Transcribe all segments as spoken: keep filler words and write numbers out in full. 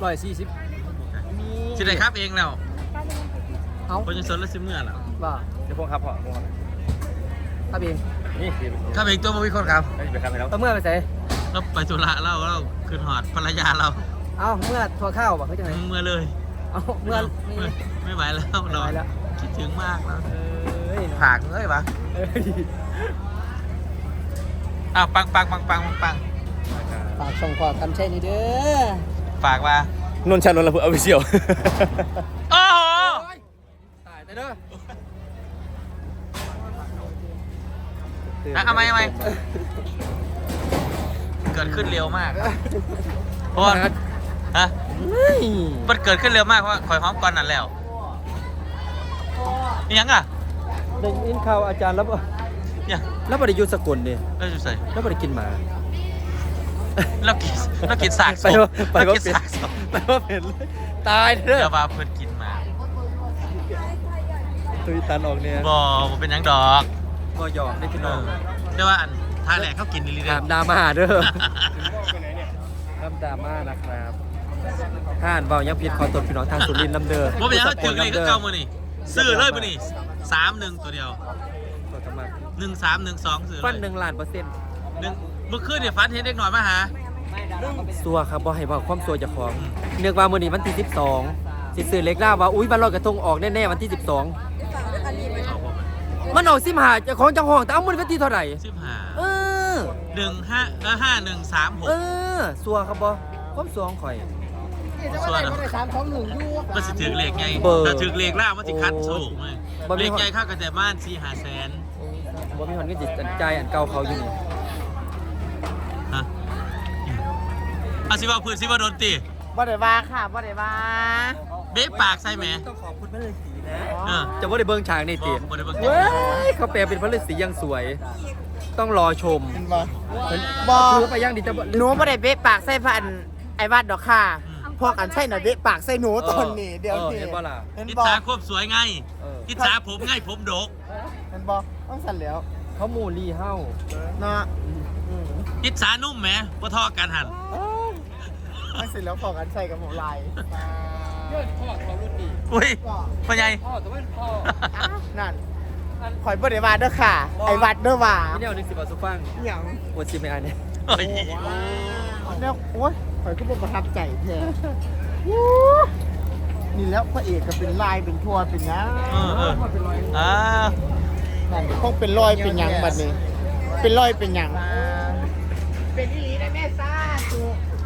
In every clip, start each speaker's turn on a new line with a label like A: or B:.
A: ร้อยสี่สิบ
B: สิได้ครับเองแล้ว
A: เอา
B: คนจะสนแล้วสิเมื่อแล้ว
A: บ่
C: เดี๋ยวพงครับพ่อพงครับ
A: ครับเอง
C: นี่สิ
B: ครับเองตัวบ่มีคนครับ
C: ไม่ไปครับไปแล้ว
A: เอาเมื่อไปใส่
B: เราไปธุระเราเราขึ้นหอดภรรยาเรา
A: เอาเมื่อทัวข้าวบ่คือจังไง
B: เมื่อเลย
A: เอาเมื่อนี่
B: ไม่ไม่ไหวแล้ว
A: ไม่
B: เรา
A: ไหวแล้ว
B: คิดถึงมากแล้ว
A: เอ้ย
B: ผากเอ้ยปะ
A: เอ้ย
B: อ้าวปังปังปังปังปังปัง
A: ฝากส่งขอคำใช่นี่เด้อ
B: ฝากว่าน
C: นท์ชานนท์ระเบิดเอาไปเชียว
B: โอ้โห
A: ตายแต่เด้อ
B: อ่ะเอาไหมเอาไหมเกิดขึ้นเร็วมากเพราะว่าฮะมันเกิดขึ้นเร็วมากเพราะว่าคอยหอมก่อนนั่นแล้วนี่ยังอ่ะ
A: ได้ยินข่าวอาจารย์แล้วบ่
B: ยัง
A: แล้วบ่ได้อยู่สกลนี่
B: เราจะใส่
A: แล้วบ่ได้กินหมา
B: เรากินเรากินสากศ
A: ไป
B: พ
A: ว่าไป
B: เรา
A: ว่า
B: กิน
A: เป็น
B: สากศพ
A: ไปว่าเป็นเลยตายเด้อ
B: เดี๋ยวว่าเพื่อนกินมา
A: ตุยตันออกเนี่ย
B: บ่บ่เป็นหยังดอก
A: ก็หยอกได้พี่
B: เอ
A: น้อง
B: อเดี๋ยวว่าอันท่าแหลกเขากินลิลิเด้
A: ถามดราม่าเด้อทำดราม่านะครับท่านเบายังผิดขอตรวจพี่น้องทางสุรินทร์ลำเด้อ
B: บ่เป็นหยังเขาถึงเลยคือเก่ามื้อนี่ซื้อเลยมื้อนี่สามหนึ่งตัวเดียว
A: ตัวทำไม
B: หนึ่งสามหนึ่งสองซื้อเลย
A: ฟันหนึ่งล้านเปอร์เซ็นต์
B: หนึ่งเมื่อคืนเนี่ยฟันเห็นเด็กหน่อยมาหา
A: สัวครับบ่ให้บอกความสัวเจะของเนือกว่ามื้อนี้วันที่สิบสองสิซื้อเล็กล่าว่าอุ้ยวันลอยกระทงออกแน่ๆวันที่สิบสองมันออกสิบห้าเจ้าของเจ้าห้องแต่เอามื้อนี้วันที่เท่าไหร่
B: สิบห้า
A: เออ
B: หนึ่งห้าเออห้าหนึ่งสามหก
A: เออสัวครับบ่ความสัวของข่อย
B: ส่วนมันสิถือเลขไง
A: เบอร์
B: ถ้าถือเลขล่างมันสิคัดโชคไหม
A: บ่มี
B: เลขใหญ่เข้ากันแต่บ้านสี่หาแสน
A: บ่มีคนก็จิตใจอันเก่าเขาอยู่นี่
B: ฮะอาสิว่าพื้นสิว่าโดนตี
D: บ่ได้ว่าค่ะบ่ได้ว่า
B: เบ๊ปากใส่ไหม
A: ต้องขอบคุณพระฤาษีนะ
B: เออ
A: จะบ่ได้เบิ่งฉากนี่ติ
B: บ่ได้เบิ่ง
A: เว้ยเขาแปลเป็นพระฤาษีอยังสวย ต้องรอชม
D: บ่
A: บ่
D: บ่
A: คือไปยังดิจะบ่
D: หนูบ่ได้เบะปากใส่พันไอ้วัดดอกค่ะพอกันใช่หน่อยเบะปากใส่หนูตอนนี้เดี๋ยว
A: ออ
D: นี้
A: เห็นบ่ล่ะ
D: เห็น
B: อิจ
D: บ่
B: ฉาควบสวยไง
A: เออ
B: อิจฉาผมไงผมดก
D: เห็นบ่ต้องสั่นแล้ว
A: เขาหมู่ลีเฮา
D: เนาะ
B: อิจฉานุ่มแหมบ่ทอกันหัน
D: ไม่เสร็จแล้วพอกันใส่กับหมูลาย
A: ยอดพ่อเขารุ่นดี
B: อุ้ยพ่อใหญ่
A: พ่อแต่ว่าพ่อ
D: นั่นข่อยบ่ได้ว่าเด้อค่ะ ไอ้วัดเด้อว่า
A: พี่แนวหนึ่งสิบบาทสุฟัง
D: หยัง
A: ปวดซิไม่อันเนี่ย
B: โอ้ย
D: เนี่ยโอ๊ยข่อยก็บ่ประทับใจแท้วู้นี่แล้วพระเอกก็เป็นลายเป็นทัวเป็นหยัง
B: เออเอออ่า
D: นั่นคงเป็นรอยเป็นหยังบัดนี้ เป็นรอยเป็นหยังเป็นอีหลีได้แม่ซ่าสุ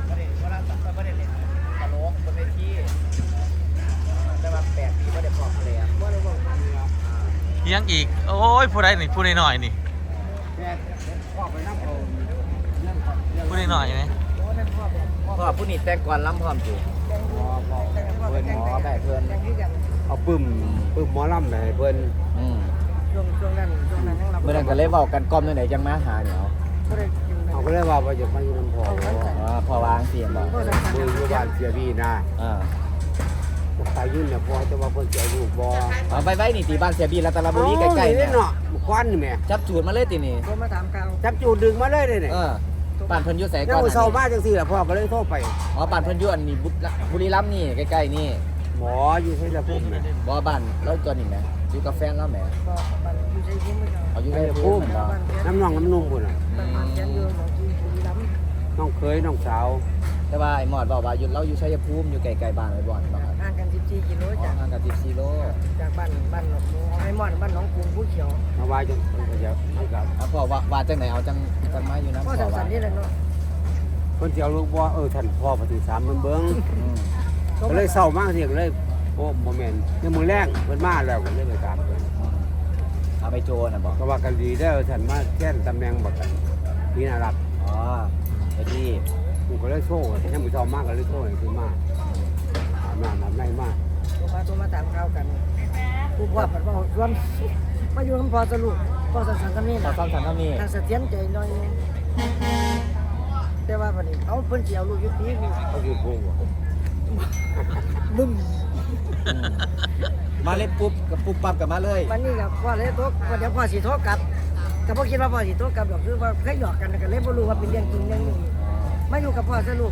B: ยังอีก โอ้ยผู้ใดนี่ผู้ใดหน่อยนี่ผู้ใดหน่อยไหม
C: พ่อผู้นี้แต่งก่อนล้ำพร้อมจูเพื่อนหมอได้เพื่อนเอาปึ้มปึ้มหมอล้ำได้เพื่อน
D: ช่วงช่วงนั้นช่วงนั้นยังรับ
C: เมื่อนั้นก็เลยเว้ากันก้อมไหนจังมาหาเดี๋ยว
D: บ่ได้กิน
E: เขาก็เลยว่าว่าจะมาอยู่น้ำพอ
C: อ๋อพอวางเสียงบ่
D: ก็สำคัญ
E: คืออยู่บ้านเสียพี่นะ
C: อ่า
E: ตายยุ่นเนี่ยพอจะว่าคนเสียลูกบ่
C: เอาไปไว้นี่ตีบ้านเสียบีรัตนบุรีใกล้ๆ
E: เนี่
C: เนี่ย ย
E: เนาะควันนี่แม่
C: จับจูดมาเลยตินี่
D: โทรมาถามข่าว
E: จับจูดดึงมาเลยเนี่ย
C: เออบ้านเพิ่นอยู่ไส
E: แล้
C: ก่อ
E: วน เศร้ามาจังสี่ล่ะพ่อก็เลยโทรไป
C: อ๋อบ้านเพิ่นอยู่อันนี้บุรีรัมย์นี่ใกล้ๆนี่
E: หมออยู่ที่ละพุ่มเนี่ย
C: บ่บ้านแล้วตัวนี้แหมอยู่กับแฟนแล้วแหม
D: ก็บันอยู่ใจคุ้มไม่เอา
C: เอาอยู่
E: ไอ้
C: กับ
E: พุ่
C: พุ่
E: ม
C: มบ่
E: น้ำน่องน้ำนุ่มพุ่นน่ะ
D: บันเขียนอยู่หมองที่บุรีรัมย์
E: น้องเคยน้องสาว
C: แต่ว่าไอ้หมอดบอกว่าอยู่เราอยู่ชัยภูมิอยู่ไกลๆบ้านไว้บ่อนบ่ครับ
D: ห่างกันสิบสี่กิโล
C: อ๋อ
D: จาก
C: ห่างกันสิบสี่โล
D: จากบ้านบ้านหนองหมูไอ้มอดบ้านหนองกรุงผู้เขียว
E: มาว่าจังเพิ่นก็จะให้กับ
C: เอาพ่อว่าว่าจังไหนเอาจังจังมาอยู่นำ
D: ก็
C: พ่อ
D: สั
C: ว่า
D: นๆนี่แหละเนาะ
E: เพิ่นสิเอาลูกบ่เออท่านพ่อปฏิสามเบิ่งเบิ่ง
C: อืม
E: ก็เลยเศร้ามากสิก็เลยโอ้บ่แม่นยังมื้อแรงเพิ่นมาแล้วก็เลยไปตามเพิ่น
C: เอาไปโจน่ะบอก
E: ก็ว่ากันดีเด้อท่านมาแท่นตำแหน่งบักกันพี่น่ารัก
C: อ๋อไปที่
E: กูก็เลยโซ่ยังมื้อเช้ามากก็เลยโซ่ให้คือมาอาบน้ำอาบในมา
D: โทรมาโทรมาถามข่าวกันผู้พ่อผัดว่าชวนมาอยู่คำพอสรุปพอสันๆกันนี่
C: ต่อ
D: นะ
C: ซ้ำสันเท่านี้
D: ทางเสถียรใจหน่อยนึงแต่ว่าบัดนี้เอาเพิ่นสิเอาลูกอยู่ปีนี้
E: เขาคือพุ่งบ่
D: บึ้ม
C: อืมมาเล่นปุ๊บกับปุ๊บปั๊บกับมาเลย
D: วันนี้กับพ่อเลยโทรว่าเดี๋ยวพ่อสิโทรกลับก็บ่คิดว่าพ่อสิโทรกลับดอกคือว่าเคยหยอกกันก็เลยบ่รู้ว่าเป็นเรื่องจริงเรื่องนี้มาอยู่กับพ่อสรุป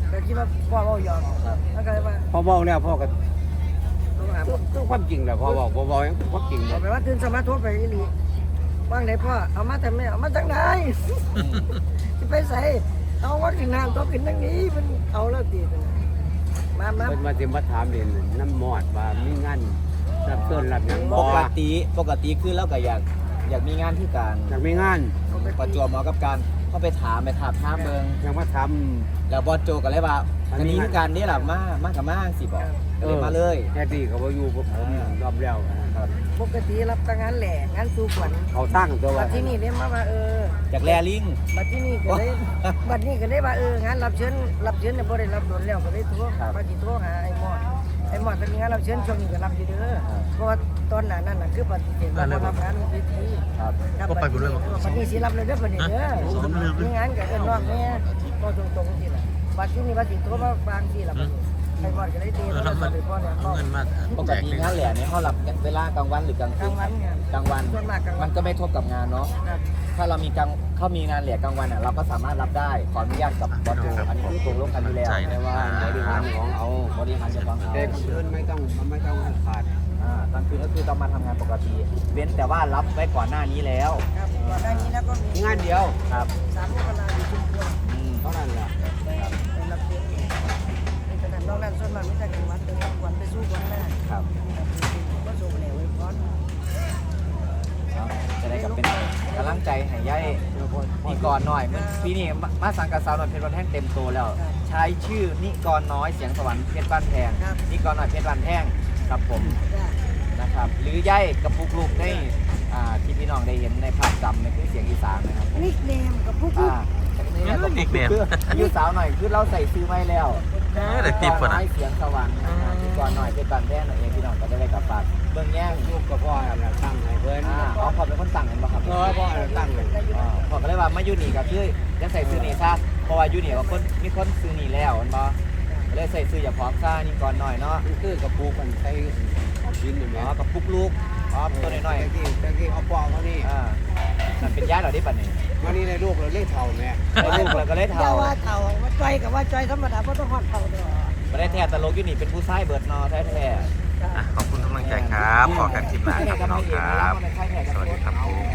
F: ก็คิดว่าพ่อเว้าหยอกแล้วก็เลยว่า
E: พอบอกแล้วพ่อก็
F: ต้องหา
E: ต้องความจริงแหละพ่อบอกบ่บอกยังความจริง
F: เอาไปว่าตื่นสมาธิไปอีหลีว่างไหนพ่อเอามาแต่ไม่เอามาจากไหนจะไปใส่เอาว่ากินน้ำต้องกินทั้งนี้มันเอาแล้วตีมามา
E: เพิ่นมาสิมาถามเด่นน้ำหมอดว่ามีงานรับเชิญรับหยัง
C: ป
E: บ่
C: กติปกติคือเราก็อยากอยากมีงานที่การ
E: อยากมีงาน
C: ประจวบเหมาะกับการเข้าไปถามไปถามท่ามเบิง
E: อยากมาทำ
C: แล้วบอสโจก็เลยว่าอันนี้คือการนี่แหละมามากับมาสิบอกก็เลยมาเลย
E: แค่ดีเขาบ่อยู่ผมยอมแล้วนะครับ
F: ปกติรับแต่งานแหล่งานสู้ขวัญ
E: เขาตั้งตัว
F: บั
E: ว่า
F: ดที่นี่ได้มาว่าเออ
C: อยากแลลิง
F: บัดที่นี่ก็ได้บัดนี้ก็ได้ว่าเอองานรับเชิญรับเชิญเนี่ยบ่ได้รับโดนแล้วก็ได้โทรมาสิโทรหาไอ้หมอดไอ้หมอดเป็นงานรับเชิญช่วงนี้ก็รับอยู่เด้อเพราะว่าตอนนั้นน่ะคือปฏิเสธว่าบ่รับงานเวที
C: ครับ
F: ก็ไปบ่ด้วยบ่บัดนี้สิรับเลยเด้อบัดนี้เด้อมีงานก็เอิ้นน้องแม่ก็ตรงๆสิล่ะบัดที่นี่ว่าสิโทรมาฟังสิล่ะบัดนี้ไอ้หมอดก็ได้ตี
B: เออ
F: โทร
B: ทำ
F: ศั
B: มั
F: พ
B: น
F: ท์ไปพ่อเนี่ย
B: เอาเงินมา
C: ปก
B: แจก
C: ติ
B: เลย
C: งานแหล่เนี่ยเขารับเวลากลางวันหรือกลาง
F: ก
C: คื
F: ลาง
C: น
F: วันเนี่ย
C: กลางวัน
F: ส่วนมากกลางวั
C: มัน นก็ไม่ทบกับงานเนาะ
F: ครับ
C: ถ้าเรามีกลางเขามีงานแหล่กลางวันอ่ะเราก็สามารถรับได้ขออนุญาตกับบอสโจอันนี้คือตกลงกันอยู่แล้ว
E: แต่ว่าบริหารของเอา
C: บริหารจะฟังเอา
E: แต่คนอื่นไม่ต้องไม่ต้องขาด
C: อ่ากลางคืนก็คือต้องมาทำงานปกติเว้นแต่ว่ารับไว้ก่อนหน้านี้แล้ว
F: ครับก่อนหน้านี้แล้วก็มี
E: งานเดียว
C: ครับ
F: สามมกราอยู่ชุมพร
C: อืม
E: เท่านั้นแหละ
F: ไปรับเลี้ยงในขณะนอกนั้นส่วนมากมิตรกันวัดเป็นรับขวัญไปสู้ขวัญหน้า
C: ครับ
F: ก็ส่งแหล่ไว้พร้อม
C: เอาจะได้กับเป็นกำลังใจให้ย่ายนิกรหน่อยมันปีนี้มามาสังกัดสาวน้อยเพชรบ้านแท่งเต็มตัวแล้ว ใช้ชื่อนิกรน้อยเสียงสวรรค์เพชรบ้านแพงนิกรน้อยเพชรบ้านแพงครับผม
F: จ้ะ
C: นะครับ หรือย่ายกับปุกลูกได้อ่าที่พี่น้องได้เห็นในภาพจำในคือเสียงอีสานนะครับผม
F: นิกเนมกับผู้
C: อ่านี่แหละกับปุกลูกคืออายุสาวหน่อยคือเราใส่ซื้อไว้แล้ว
B: เออเดี๋ยวติด
C: ก่
B: ก่
C: อ
B: อน น
C: น้
B: นะ
C: อยเสียงสวรรค์นะครับนิกรน้อยเพชรบ้านแพงนั่นเองพี่น้องก็จะได้กลับฝากเบื้องแย่ง
E: ลูกกับพ่อแหละตั้งให้เพิ่น
C: อ่าอ๋อขอเป็นคนสั่งเห็นป่ะครับ
E: เออพ่อแหละตั้งเลย
C: อ่าผมก็เลยว่ามายูนี่ก็คือยังใส่ซื้อนี่ซะเพราะว่ายูนี่ก็คนมีคนซื้อนี่แล้วเห็นบ่ก็เลยใส่ซื้ออย่าพร้อมซ่านี่ก่อนหน่อยเนาะ
E: มันคือกับปูกันใช้ดินอยู่
C: อ๋
E: แม่
C: อกับปุกลูกอ๋อตัวน้อย
E: ตะกี้ตะกี้เอาปอกเขานี่
C: ๆอ่านั่นเป็นญาติเราได้ปัดนี่
E: วันนี้ในลูกเราเรียกเท่าแม่
C: ได้ลูกเราก็เลย
F: อย่า
C: เท่า
F: ว่าเต่าว่าจ้อยกับว่าจ้อยธรรมดาเพราะต้องหอดเต่าเด้อ
C: ไม่ได้แท้ตลกยูนี่เป็นผู้ชายเบิดนอแท้ๆ
B: อ่ะขอบคุณกำลังใจครับ ขอกันคลิปหน้าครับพี่น้องครับ สวัสดีครับผม